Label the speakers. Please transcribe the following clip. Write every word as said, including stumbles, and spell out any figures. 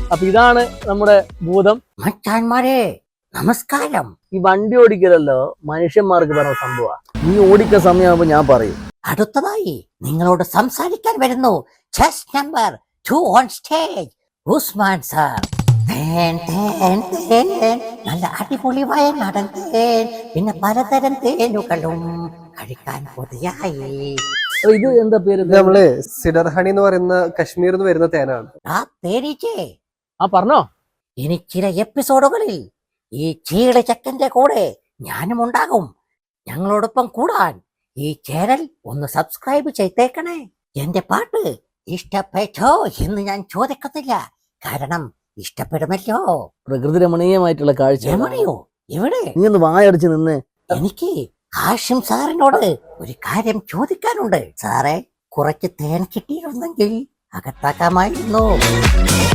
Speaker 1: അപ്പൊ ഇതാണ് നമ്മുടെ ഭൂതം.
Speaker 2: മച്ചാന്മാരെ നമസ്കാരം.
Speaker 1: ഈ വണ്ടി ഓടിക്കലല്ലോ മനുഷ്യന്മാർക്ക് പറഞ്ഞ സംഭവം. നീ ഓടിക്കുന്ന സമയമാകുമ്പോ ഞാൻ പറയും.
Speaker 2: അടുത്തതായി നിങ്ങളോട് സംസാരിക്കാൻ വരുന്നു chess number two on stage Usman sir. നല്ല അടിപൊളി വയനാടൻ തേൻ, പിന്നെ പലതരം തേനുകളും കഴിക്കാൻ കൊതിയായി.
Speaker 1: ഇത് എന്താ പേര്?
Speaker 3: നമ്മള് സിഡർ ഹണി എന്ന് പറയുന്ന കശ്മീരിൽ നിന്ന് വരുന്ന തേനാണ്.
Speaker 2: ആ തേനീച്ചേ,
Speaker 1: ആ പറഞ്ഞോ.
Speaker 2: ഇനി ചില എപ്പിസോഡുകളിൽ ഈ ചീള ചക്കന്റെ കൂടെ ഞാനും ഉണ്ടാകും. ഞങ്ങളോടൊപ്പം കൂടാൻ ഈ ചാനൽ ഒന്ന് സബ്സ്ക്രൈബ് ചെയ്തേക്കണേ. എന്റെ പാട്ട് ഇഷ്ടപ്പെട്ടോ എന്ന് ഞാൻ ചോദിക്കത്തില്ല, കാരണം ഇഷ്ടപ്പെടുമല്ലോ.
Speaker 1: പ്രകൃതി രമണീയമായിട്ടുള്ള കാഴ്ച.
Speaker 2: രമണിയോ? എവിടെ?
Speaker 1: നീ ഒന്ന് വായടച്ച് നിന്ന്.
Speaker 2: എനിക്ക് ഹാഷിം സാറിനോട് ഒരു കാര്യം ചോദിക്കാനുണ്ട്. സാറേ, കുറച്ച് തേൻ കിട്ടിയിരുന്നെങ്കിൽ അകത്താക്കാമായിരുന്നു.